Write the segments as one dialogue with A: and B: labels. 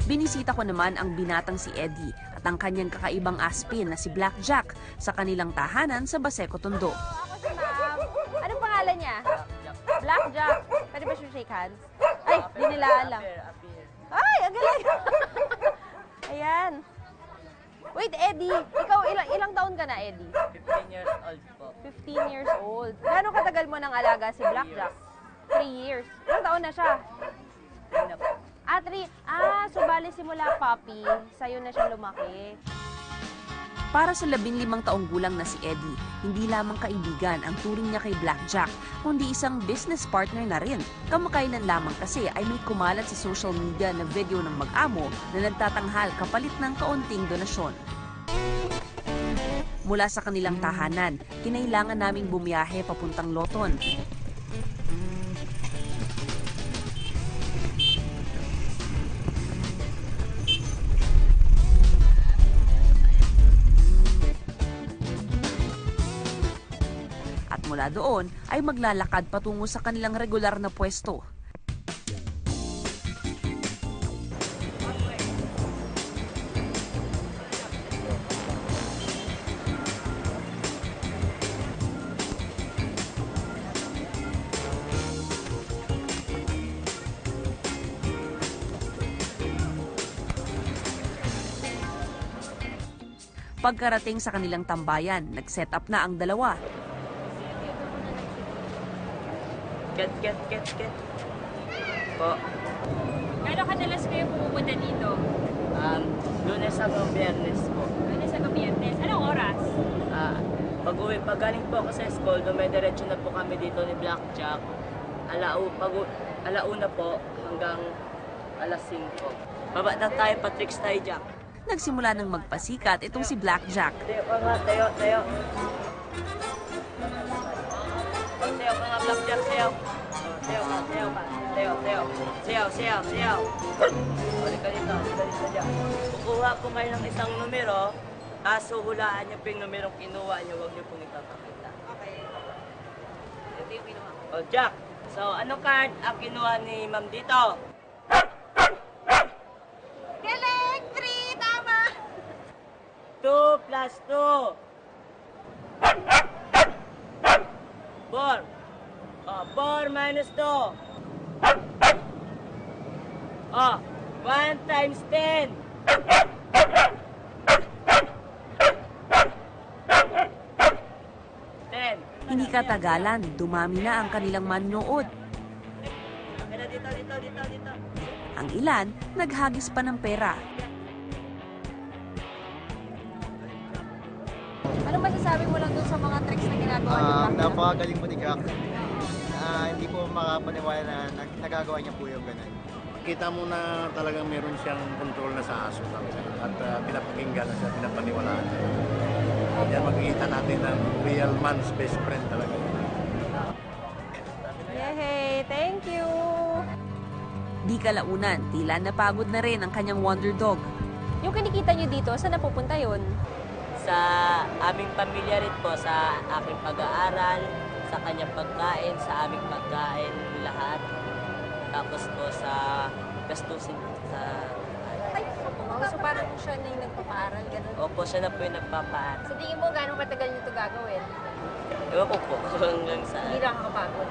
A: Binisita ko naman ang binatang si Eddie at ang kanyang kakaibang aspin na si Blackjack sa kanilang tahanan sa Baseco, Tondo.
B: Ako si ma'am. Anong pangalan niya? Blackjack. Pwede ba siya shake hands? Ay, di nila alam. Ay, ang galing. Ayan. Wait, Eddie. Ikaw, ilang taon ka na, Eddie?
C: 15 years old po.
B: 15 years old. Gaano katagal mo nang alaga si Blackjack? 3 years. Ilang taon na siya?
C: 3 na po.
B: 3. So bali simula puppy, sa'yo na siya lumaki.
A: Para sa 15 taong gulang na si Eddie, hindi lamang kaibigan ang turing niya kay Blackjack, kundi isang business partner na rin. Kamakailan lamang kasi ay may kumalat sa social media na video ng mag-amo na nagtatanghal kapalit ng kaunting donasyon. Mula sa kanilang tahanan, kinailangan naming bumiyahe papuntang Loton. At mula doon ay maglalakad patungo sa kanilang regular na pwesto. Pagkarating sa kanilang tambayan, nag-set up na ang dalawa.
C: Get. Po.
D: Gano'ng kadalas kayo pumupunta dito?
C: Lunes hanggang Biyernes po.
D: Lunes hanggang Biyernes. Anong oras?
C: Pag galing po ako sa school, dumidiretso na po kami dito ni Blackjack. Alauna po hanggang alas 5. Baba na tayo, Patrick tayo, Jack.
A: Nagsimula ng magpasikat itong si Blackjack.
C: Tayo ka nga, tayo. Tayo ka nga, Blackjack, sayaw. Sayaw ka. Sayaw. Balik ka dito, Jack. Kukuha po kayo ng isang numero, hulaan niyo po yung numerong kinuha niyo, huwag niyo pong ipapakita.
D: Okay. Ito yung kinuha ko.
C: O, Jack, so anong card ang kinuha ni Ma'am dito?
D: Galing! 3! Tama!
C: 2 plus 2. 4. 4 minus 2. 1 times 10. 10.
A: Hindi katagalan, dumami na ang kanilang manonood.
C: Dito.
A: Ang ilan, naghagis pa ng pera.
B: Anong masasabi mo lang dun sa mga tricks na ginagawa ni Blackjack?
E: Napakagaling mo ni Jack. Hindi po makapaniwala na nagagawa niya po yung ganun.
F: Kita mo na talagang meron siyang control na sa aso talaga. At pinapakinggan na siya, pinapaniwalaan siya. Yan makikita natin ng real man's best friend talaga.
B: Yay! Thank you!
A: Di kalaunan, tila napagod na rin ang kanyang wonder dog.
B: Yung kinikita nyo dito, saan napupunta yun?
C: Sa aming pamilya rin po, sa aking pag-aaral, sa kanyang pagkain, sa aming pagkain, lahat. Tapos po sa gastusin sa...
B: So parang siya na yung nagpapaaral, gano'n?
C: Opo, siya na po yung nagpapaaral.
B: Sa tingin mo, gano'ng katagal nyo ito gagawin?
C: Ewan ko po hanggang sa...
B: Hindi lang nakakapagod.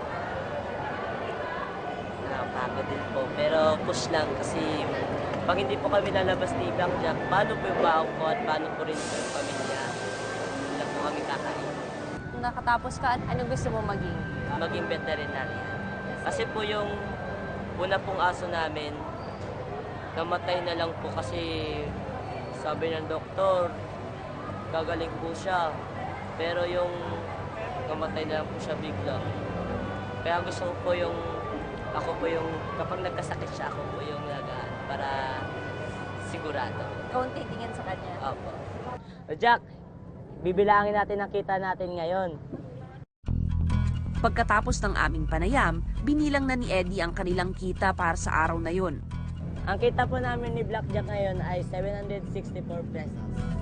C: Nakapagod din po. Pero push lang kasi pag hindi po kami lalabas ni Blackjack, paano po yung baon ko at paano po rin po yung pamilya? Hindi lang po kami kakain.
B: Kung nakatapos ka, anong gusto mo maging?
C: Maging veterinarian. Kasi po yung una pong aso namin, namatay na lang po kasi sabi ng doktor, gagaling po siya. Pero yung namatay na lang po siya bigla. Kaya gusto ko po yung, ako po yung, kapag nagkasakit siya, ako po yung para sigurado.
B: Ikaw ang titingin sa kanya.
C: Opo. Jack, bibilangin natin ang kita natin ngayon.
A: Pagkatapos ng aming panayam, binilang na ni Eddie ang kanilang kita para sa araw na yon.
C: Ang kita po namin ni Blackjack ngayon ay 764 pesos.